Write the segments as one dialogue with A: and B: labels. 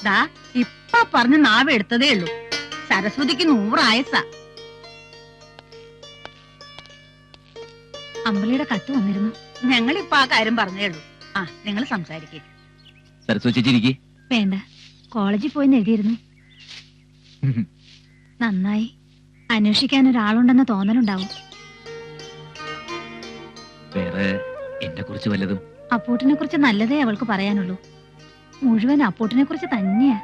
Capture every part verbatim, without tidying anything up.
A: ദാ ഇപ്പൊ പറഞ്ഞ് നാവ് എടുത്തതേ ഉള്ളൂ. സരസ്വതിക്ക് നൂറായസ.
B: അമ്പലിയുടെ കത്ത് വന്നിരുന്നു.
A: ഞങ്ങളിപ്പൊ ആ കാര്യം പറഞ്ഞേ ഉള്ളൂ. ആ നിങ്ങൾ സംസാരിക്കേ.
C: സരസ്വതി
B: വേണ്ട, കോളേജിൽ പോയി എഴുതിയിരുന്നു. നന്നായി. അന്വേഷിക്കാൻ ഒരാളുണ്ടെന്ന് തോന്നലുണ്ടാവും.
C: വേറെ എന്നെ കുറിച്ച് വല്ലതും?
B: അപ്പൂട്ടിനെ കുറിച്ച് നല്ലതേ അവൾക്ക് പറയാനുള്ളൂ. മുഴുവൻ അപ്പൂട്ടിനെ കുറിച്ച് തന്നെയാ.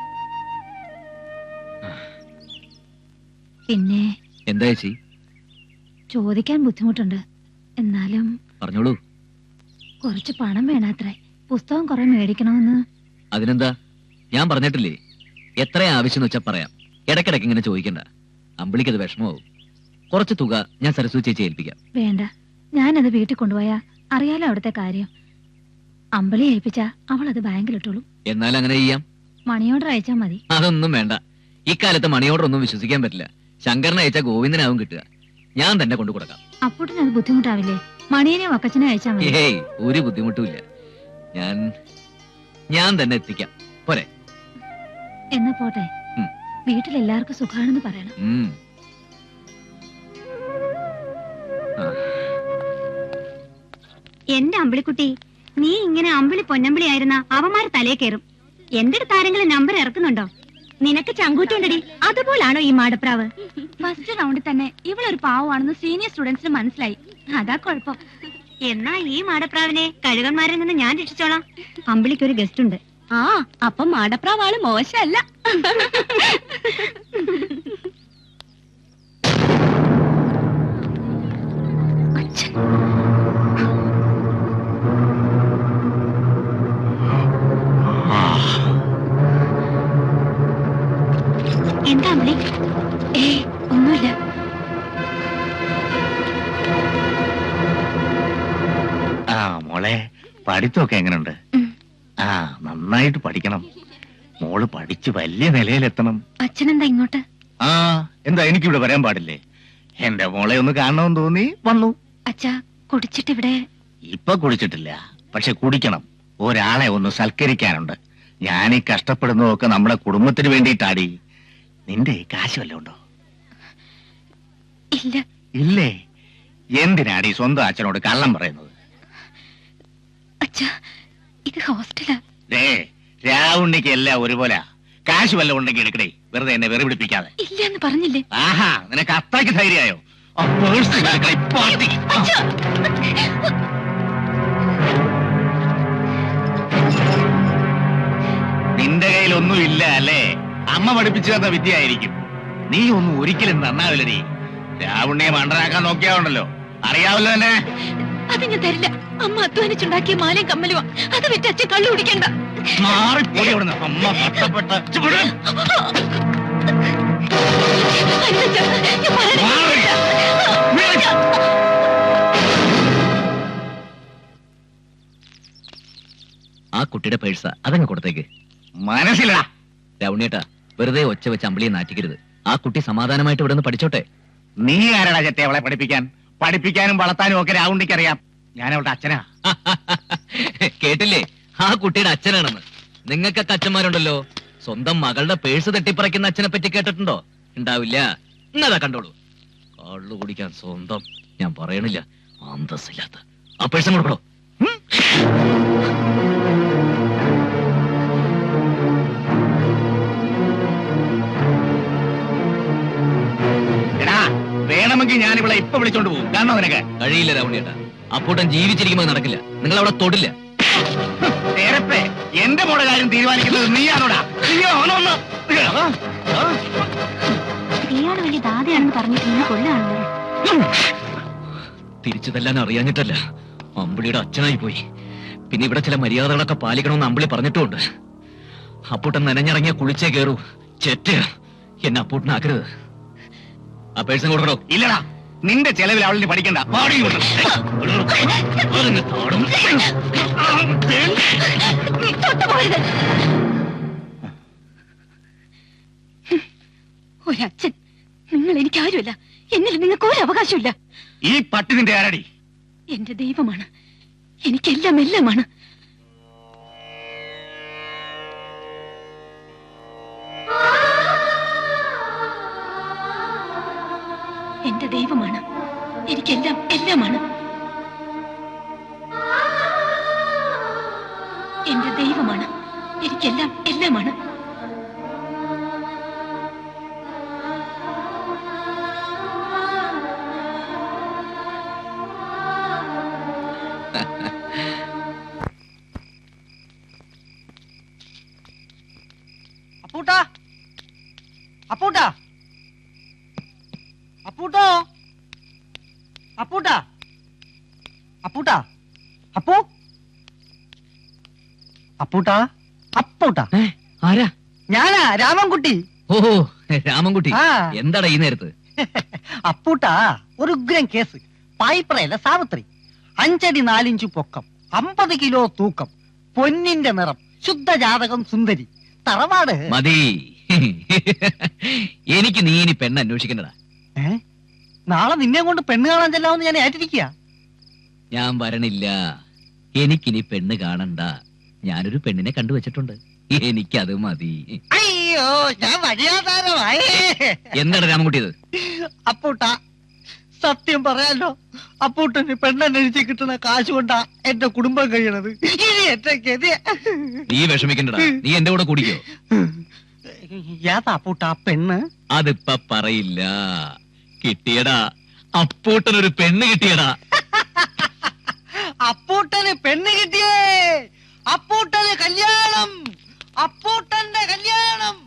B: പിന്നെ
C: എന്താ ചേച്ചി?
B: ചോദിക്കാൻ ബുദ്ധിമുട്ടുണ്ട്, എന്നാലും
C: പറഞ്ഞോളൂ.
B: കുറച്ച് പണം വേണാത്രേ. പുസ്തകം കുറെ മേടിക്കണമെന്ന്.
C: അതിനെന്താ, ഞാൻ പറഞ്ഞിട്ടില്ലേ, എത്ര ആവശ്യം വെച്ചാ പറയാം. ഇടയ്ക്കിടയ്ക്ക് ഇങ്ങനെ ചോദിക്കണ്ട. അമ്പിളിക്ക് അത് വിഷമമാവും. കുറച്ച് തുക ഞാൻ സരസ്വതി ചേച്ചി ഏൽപ്പിക്കാം.
B: വേണ്ട, ഞാനത് വീട്ടിൽ കൊണ്ടുപോയാ അറിയാലോ അവിടുത്തെ കാര്യം. അമ്പിളി ഏൽപ്പിച്ചാ അവൾ അത് ബാങ്കിലിട്ടോളൂ.
C: എന്നാൽ അങ്ങനെ ചെയ്യാം.
B: മണി ഓർഡർ അയച്ചാ മതി.
C: അതൊന്നും വേണ്ട. ഇക്കാലത്ത് മണി ഓർഡർ ഒന്നും വിശ്വസിക്കാൻ പറ്റില്ല. ശങ്കരനെ അയച്ചാ ഗോവിന്ദനാവും കിട്ടുക. ഞാൻ തന്നെ കൊണ്ടു കൊടുക്കാം.
B: അപ്പൂട്ടിന് അത് ബുദ്ധിമുട്ടാവില്ലേ? മണിയനെയും അക്കച്ചനെ അയച്ചാ മതി.
C: ഏയ്, ഒരു ബുദ്ധിമുട്ടുമില്ല. ഞാൻ ഞാൻ തന്നെ എത്തിക്കാം. പോരെ?
B: എന്നാ പോട്ടെ. വീട്ടിലെല്ലാവർക്കും സുഖാണെന്ന് പറയണം.
D: എന്റെ അമ്പിളിക്കുട്ടി, നീ ഇങ്ങനെ അമ്പിളി പൊന്നമ്പിളി ആയിരുന്ന അവന്മാര് തലേ കയറും. എന്റെ അടുത്ത് ആരെങ്കിലും നമ്പർ ഇറക്കുന്നുണ്ടോ? നിനക്ക് ചങ്കൂറ്റുണ്ടടി. അതുപോലാണോ ഈ മാടപ്രാവ്?
B: ഫസ്റ്റ് റൗണ്ടിൽ തന്നെ ഇവളൊരു പാവമാണെന്ന് സീനിയർ സ്റ്റുഡൻസിന് മനസ്സിലായി. അതാ കുഴപ്പം.
D: എന്നാ ഈ മാടപ്രാവിനെ കഴുകന്മാരിൽ നിന്ന് ഞാൻ രക്ഷിച്ചോളാം. അമ്പിളിക്കൊരു ഗസ്റ്റ് ഉണ്ട്.
B: ആ, അപ്പൊ മാടപ്രാവാള് മോശമല്ല.
D: എന്താ അമ്പിളി?
B: ഏയ്, ഒന്നുമില്ല.
E: ആ മോളെ, പഠിത്തമൊക്കെ എങ്ങനെയുണ്ട്? ആ, നന്നായിട്ട് പഠിക്കണം മോള്. പഠിച്ച് വലിയ നിലയിലെത്തണം.
B: അച്ഛനെന്താ ഇങ്ങോട്ട്?
E: ആ, എന്താ എനിക്കിവിടെ വരാൻ പാടില്ലേ? എന്റെ മോളെ ഒന്ന് കാണണമെന്ന് തോന്നി വന്നു.
B: അച്ഛാ, കുടിച്ചിട്ടിവിടെ?
E: ഇപ്പൊ കുടിച്ചിട്ടില്ല, പക്ഷെ കുടിക്കണം. ഒരാളെ ഒന്ന് സൽക്കരിക്കാനുണ്ട്. ഞാൻ ഈ കഷ്ടപ്പെടുന്നതൊക്കെ നമ്മുടെ കുടുംബത്തിന് വേണ്ടിയിട്ടാടി. നിന്റെ കാശ് വല്ലതും ഉണ്ടോ?
B: ഇല്ല.
E: ഇല്ലേ? എന്തിനാടി സ്വന്തം അച്ഛനോട് കള്ളം പറയുന്നത്?
B: അച്ഛാ, ഇത് ഹോസ്റ്റലാ.
E: രാവുണ്ണിക്ക് എല്ലാം ഒരുപോലെ. കാശ് വല്ലതും ഉണ്ടെങ്കിൽ എടുക്കണേ, വെറുതെ എന്നെ വെറു പിടിപ്പിക്കാതെ.
B: ഇല്ലെന്ന് പറഞ്ഞില്ലേ?
E: ആഹാ, നിനക്ക് അത്രയ്ക്ക് ധൈര്യമായോ? നിന്റെ കയ്യിലൊന്നും ഇല്ല അല്ലേ? അമ്മ പഠിപ്പിച്ചു തന്ന വിദ്യയായിരിക്കും. നീ ഒന്നും ഒരിക്കലും നന്നാവില്ല. നീ രാവുണ്ണിയെ മണ്ടനാക്കാൻ നോക്കിയാവുണ്ടല്ലോ, അറിയാവല്ലോ തന്നെ.
B: അത് ഞാൻ തരില്ല. അമ്മ അധ്വാനിച്ചുണ്ടാക്കിയ മാലയും കമ്മലുവാ. അത് വിറ്റ് അച്ഛൻ കള്ളു കുടിക്കണ്ട.
E: മാറിപ്പോയി അവിടുന്ന്. അമ്മ കഷ്ടപ്പെട്ട
C: ആ കുട്ടിയുടെ പേഴ്സ അതങ്ങ് കൊടുത്തേക്ക്.
E: മനസ്സിലാ
C: രവണിയേട്ടാ, വെറുതെ ഒച്ച വെച്ച് അമ്പിളിയെ നാറ്റിക്കരുത്. ആ കുട്ടി സമാധാനമായിട്ട് ഇവിടെ നിന്ന് പഠിച്ചോട്ടെ.
E: നീ ആരാടാ ചെറ്റെ അവളെ പഠിപ്പിക്കാൻ? പഠിപ്പിക്കാനും വളർത്താനും ഒക്കെ രാവുണ്ണിക്ക് അറിയാം. ഞാൻ അവളുടെ അച്ഛനാ.
C: കേട്ടില്ലേ, ആ കുട്ടിയുടെ അച്ഛനാണെന്ന്. നിങ്ങൾക്കൊക്കെ അച്ഛന്മാരുണ്ടല്ലോ. സ്വന്തം മകളുടെ പേഴ്സ് തട്ടിപ്പറിക്കുന്ന അച്ഛനെ പറ്റി കേട്ടിട്ടുണ്ടോ? ഉണ്ടാവില്ല. എന്നതാ കണ്ടോളൂ. കള്ളു കുടിക്കാൻ സ്വന്തം. ഞാൻ പറയണില്ല, അന്തസ്സില്ലാത്ത. ആ പേഴ്സ് കൊടുക്കണോ?
E: വേണമെങ്കിൽ ഞാൻ ഇവിടെ ഇപ്പൊ വിളിച്ചോണ്ട് പോകും. കാരണം നിനക്ക്
C: കഴിയില്ല രാവണിയേട്ടാ. അപ്പൂട്ടൻ ജീവിച്ചിരിക്കുമ്പോൾ നടക്കില്ല. നിങ്ങൾ അവിടെ തൊടില്ല.
E: എന്റെ മോടെ കാര്യം തീരുമാനിക്കുന്നത് നീയാണോടാ?
D: നീയാണ് വലിയ ദാതയാണെന്ന് പറഞ്ഞിട്ട് നീ കൊല്ലാണല്ലോ.
C: തിരിച്ചു തല്ലാൻ അറിയാഞ്ഞിട്ടല്ല, അമ്പിളിയുടെ അച്ഛനായി പോയി. പിന്നെ ഇവിടെ ചില മര്യാദകളൊക്കെ പാലിക്കണമെന്ന് അമ്പിളി പറഞ്ഞിട്ടുമുണ്ട്. അപ്പൂട്ടൻ നനഞ്ഞിറങ്ങിയ കുളിച്ചേ കയറൂ. ചെറ്റ എന്നെ അപ്പൂട്ടനാക്കരുത്. ആ പേഴ്സൺ കൊടുക്കണോ?
E: ഇല്ലടാ, നിന്റെ ചെലവിൽ അവളിന് പഠിക്കണ്ട.
B: ഒരച്ഛൻ, നിങ്ങൾ എനിക്ക് ആരുമല്ല. എന്നിൽ നിങ്ങൾക്ക് ഒരു അവകാശമില്ല.
E: ഈ പട്ടി നിന്റെ ആരടി?
B: എന്റെ ദൈവമാണ്. എനിക്കെല്ലാം എല്ലാമാണ്. എന്റെ ദൈവമാണ്. എനിക്കെല്ലാം എല്ലാമാണ്. എന്റെ ദൈവമാണ്. എനിക്കെല്ലാം എല്ലാമാണ്.
F: അപ്പൂട്ടാ, അപ്പൂട്ടാ, അപ്പൂട്ടോ, അപ്പൂട്ടാ, അപ്പൂട്ടാ, അപ്പൂ, അപ്പൂട്ടാ, അപ്പൂട്ടാ.
C: ആരാ?
F: ഞാനാ രാമൻകുട്ടി.
C: ഓ രാമൻകുട്ടി,
F: ആ.
C: എന്താടാ ഈ നേരത്ത്?
F: അപ്പൂട്ടാ, ഒരു ഉഗ്രൻ കേസ്. പായിപ്രയല്ല സാവിത്രി. അഞ്ചടി നാലിഞ്ചു പൊക്കം, അമ്പത് കിലോ തൂക്കം, പൊന്നിന്റെ നിറം, ശുദ്ധജാതകം, സുന്ദരി, തറവാട്.
C: മതി. എനിക്ക് നീ ഇനി പെണ്ണ് അന്വേഷിക്കണ്ടടാ.
F: ഏ നാളെ നിന്നെ കൊണ്ട് പെണ്ണ് കാണാൻ ചെല്ലാമെന്ന് ഞാൻ ഏറ്റിരിക്കുക.
C: ഞാൻ വരണില്ല. എനിക്കിനി പെണ്ണ് കാണണ്ട. ഞാനൊരു പെണ്ണിനെ കണ്ടുവച്ചിട്ടുണ്ട്. എനിക്കത് മതി.
F: അയ്യോ, ഞാൻ വഴിയാധാരമായി.
C: എന്താണ് രാമൻകുട്ടി ഇത്?
F: അപ്പൂട്ടാ, സത്യം പറയാലോ, അപ്പൂട്ടന് പെണ്ണന്വേഷിച്ച് കിട്ടുന്ന കാശ് കൊണ്ടാ എന്റെ കുടുംബം കഴിയണത്. ഇനി എന്റെ ഗതി.
C: നീ വിഷമിക്കണ്ടടാ. നീ എന്റെ കൂടെ കുടിക്കോ?
F: ഏതാ അപ്പൂട്ടാ പെണ്ണ്?
C: അതിപ്പ പറയില്ല. കിട്ടിയടാ, അപ്പൂട്ടനൊരു പെണ്ണ് കിട്ടിയടാ.
F: അപ്പൂട്ടന് പെണ്ണ് കിട്ടിയേ. അപ്പൂട്ടന് കല്യാണം. അപ്പൂട്ടന്റെ കല്യാണം.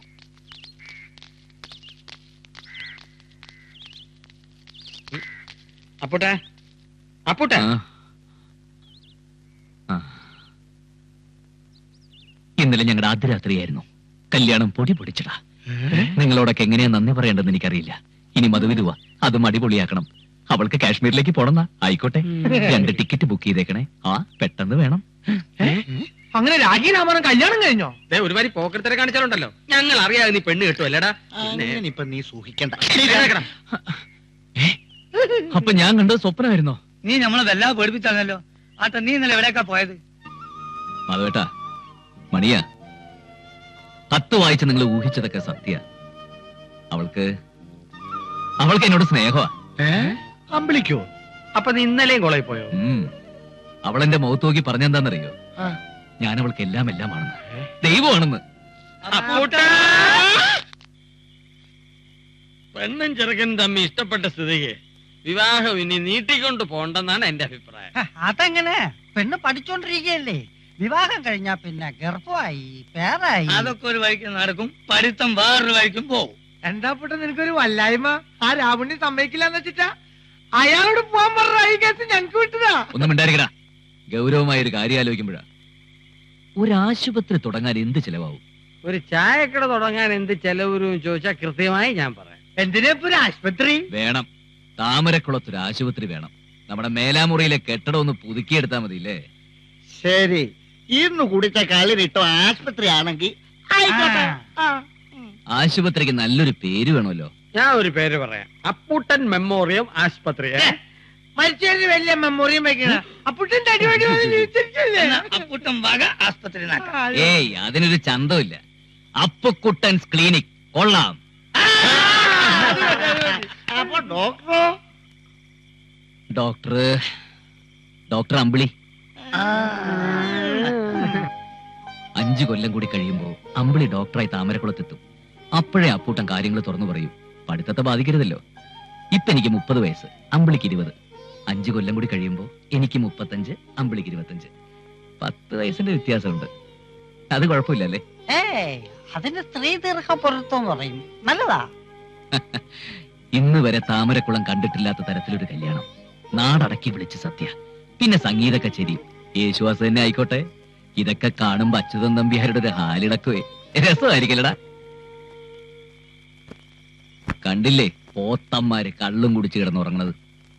G: അപ്പൂട്ടാ, അപ്പൂട്ടാ,
C: ആ. ആ. ഇന്നലെ ഞങ്ങളുടെ ആദ്യ രാത്രിയായിരുന്നു. കല്യാണം പൊടി പൊടിച്ചടാ. നിങ്ങളോടൊക്കെ എങ്ങനെയാ നന്ദി പറയേണ്ടെന്ന് എനിക്കറിയില്ല. ഇനി മധുവിധുവാ, അതും അടിപൊളിയാക്കണം. അവൾക്ക് കാശ്മീരിലേക്ക് പോണെന്നാ. ആയിക്കോട്ടെ, രണ്ട് ടിക്കറ്റ് ബുക്ക് ചെയ്തേക്കണേ. ആ പെട്ടെന്ന് വേണം.
F: അങ്ങനെ രാഖി രാമനും കല്യാണം കഴിഞ്ഞോ?
G: ഒരുമാതിരി പോക്കരത്തരെ കാണിച്ചാലുണ്ടല്ലോ. ഞങ്ങൾ അറിയാതെ നീ പെണ്ണ് കിട്ടും അല്ലേടാ.
F: ഇപ്പൊ നീ സൂഹിക്കണ്ട.
C: അപ്പൊ ഞാൻ കണ്ടത് സ്വപ്നമായിരുന്നോ?
F: നീ നമ്മളെ വല്ലാതെ പേടിപ്പിച്ചാണല്ലോ. ആട്ടെ, നീ ഇന്നലെ എവിടേക്കാ പോയത്?
C: മാധവേട്ടാ, മണിയാ, കത്ത് വായിച്ച് നിങ്ങൾ ഊഹിച്ചതൊക്കെ സത്യ. അവൾക്ക് അവൾക്ക് എന്നോട് സ്നേഹമാ.
G: അമ്പിളിക്കോ? അപ്പൊ നീ ഇന്നലെയും കോളേജിൽ പോയോ?
C: ഉം. അവൾ എന്റെ മുഖത്ത് നോക്കി പറഞ്ഞെന്താന്നറിയോ? ഞാൻ അവൾക്ക് എല്ലാം എല്ലാമാണെന്ന്, ദൈവമാണെന്ന്.
G: പെണ്ണും ചെറുക്കനും തമ്മി ഇഷ്ടപ്പെട്ട സ്ഥിതിക്ക് വിവാഹം ഇനി നീട്ടിക്കൊണ്ട് പോണ്ടെന്നാണ് എന്റെ അഭിപ്രായം.
F: അതെങ്ങനെ? പെണ്ണ് പഠിച്ചോണ്ടിരിക്കുകയല്ലേ. വിവാഹം കഴിഞ്ഞാ പിന്നെ ഗർഭമായി, പേരായി.
G: അതൊക്കെ ഒരു വഴിക്ക് നടക്കും, പഠിത്തം വേറൊരു വഴിക്കും പോകും.
F: എന്താ പൊട്ട നിനക്കൊരു വല്ലായ്മ? ആ രാവണി സമ്മതിക്കില്ലെന്ന് വെച്ചിട്ടാ അയാളോട് പോകാൻ പറഞ്ഞ ഈ കേസ് ഞങ്ങക്ക് വിട്ടതാ.
C: ഒന്നും ഉണ്ടായിരിക്കടാ. ഗൗരവമായ ഒരു കാര്യം ആലോചിക്കുമ്പോഴാ. ഒരു ആശുപത്രി തുടങ്ങാൻ എന്ത് ചെലവാവും?
G: ഒരു ചായക്കട തുടങ്ങാൻ എന്ത് ചെലവരും ചോദിച്ചാൽ കൃത്യമായി ഞാൻ പറയാം.
F: എന്തിനാ ഇപ്പൊ ഒരു ആശുപത്രി
C: വേണം. താമരക്കുളത്തൊരു ആശുപത്രി വേണം. നമ്മുടെ മേലാമുറിയിലെ കെട്ടിടം ഒന്ന് പുതുക്കിയെടുത്താ മതിയില്ലേ?
F: ശരി, ഇന്ന് കുടിച്ച കളിരിട്ടോ ആശുപത്രി ആണെങ്കിൽ
C: ആശുപത്രിക്ക് നല്ലൊരു പേര് വേണമല്ലോ.
G: ഞാൻ ഒരു പേര് പറയാം, അപ്പൂട്ടൻ മെമ്മോറിയം ആശുപത്രി.
F: മരിച്ചതിന് വലിയ മെമ്മോറിയം വെക്കണ അപ്പൂട്ടന്റെ അടിപൊളി അപ്പൂട്ടൻ വക ആശുപത്രി.
C: ഏയ്, അതിനൊരു ചന്തമില്ല. അപ്പുക്കുട്ടൻസ് ക്ലിനിക് കൊള്ളാം.
F: അപ്പൊ ഡോക്ടറോ?
C: ഡോക്ടർ ഡോക്ടർ അമ്പിളി. അഞ്ചു കൊല്ലം കൂടി കഴിയുമ്പോ അമ്പിളി ഡോക്ടറായി താമരക്കുളത്തെത്തും. അപ്പോഴേ അപ്പൂട്ടൻ കാര്യങ്ങൾ തുറന്നു പറയും. പഠിത്തത്തെ ബാധിക്കരുതല്ലോ. ഇപ്പൊ എനിക്ക് മുപ്പത് വയസ്സ്, അമ്പിളിക്ക് ഇരുപത്. അഞ്ചു കൊല്ലം കൂടി കഴിയുമ്പോ എനിക്ക് മുപ്പത്തഞ്ച്, അമ്പിളിക്ക് ഇരുപത്തഞ്ച്. പത്ത് വയസ്സിന്റെ വ്യത്യാസമുണ്ട്. അത് കുഴപ്പമില്ലല്ലേ?
F: ഏയ്, അതിന്റെ സ്ത്രീ ദീർഘ പൊരുത്തം പറയും. നല്ലതാ.
C: ഇന്ന് വരെ താമരക്കുളം കണ്ടിട്ടില്ലാത്ത തരത്തിലൊരു കല്യാണം. നാടടക്കി വിളിച്ച് സത്യ. പിന്നെ സംഗീത കച്ചേരി, യേശുദാസ് തന്നെ ആയിക്കോട്ടെ. ഇതൊക്കെ കാണുമ്പോ അച്യുതൻ നമ്പ്യാരുടെ ഒരു ഹാലിടക്കുവേ രസമായിരിക്കലടാ. കണ്ടില്ലേ പോത്തന്മാര് കള്ളും കുടിച്ച് കിടന്നുറങ്ങണത്.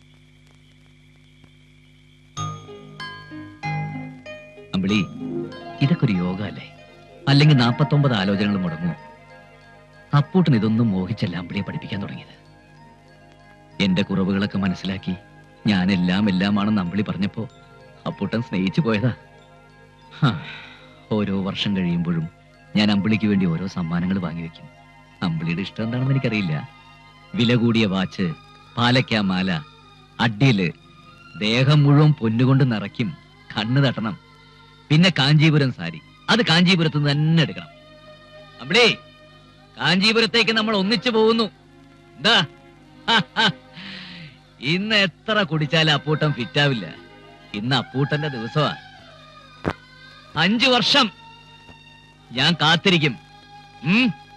C: അമ്പിളി, ഇതൊക്കെ ഒരു യോഗ അല്ലേ? അല്ലെങ്കിൽ നാപ്പത്തൊമ്പത് ആലോചനകൾ മുടങ്ങുമോ? അപ്പൂട്ടൻ ഇതൊന്നും മോഹിച്ചല്ല അമ്പിളിയെ പഠിപ്പിക്കാൻ തുടങ്ങിയത്. എന്റെ കുറവുകളൊക്കെ മനസ്സിലാക്കി ഞാൻ എല്ലാം എല്ലാമാണെന്ന് അമ്പിളി പറഞ്ഞപ്പോ അപ്പൂട്ടൻ സ്നേഹിച്ചു പോയതാ. ഓരോ വർഷം കഴിയുമ്പോഴും ഞാൻ അമ്പിളിക്ക് വേണ്ടി ഓരോ സമ്മാനങ്ങൾ വാങ്ങിവെക്കും. അമ്പിളിയുടെ ഇഷ്ടം എന്താണെന്ന് എനിക്കറിയില്ല. വില കൂടിയ വാച്ച്, പാലക്കാ മാല, അടിയില് ദേഹം മുഴുവൻ പൊന്നുകൊണ്ട് നിറയ്ക്കും, കണ്ണ് തട്ടണം. പിന്നെ കാഞ്ചീപുരം സാരി, അത് കാഞ്ചീപുരത്ത് നിന്ന് തന്നെ എടുക്കണം. അമ്മളേ, കാഞ്ചീപുരത്തേക്ക് നമ്മൾ ഒന്നിച്ചു പോകുന്നു. എന്താ? ഇന്ന് എത്ര കുടിച്ചാലും അപ്പൂട്ടൻ ഫിറ്റാവില്ല. ഇന്ന് അപ്പൂട്ടന്റെ ദിവസമാ. അഞ്ചു വർഷം ഞാൻ കാത്തിരിക്കും. ഉം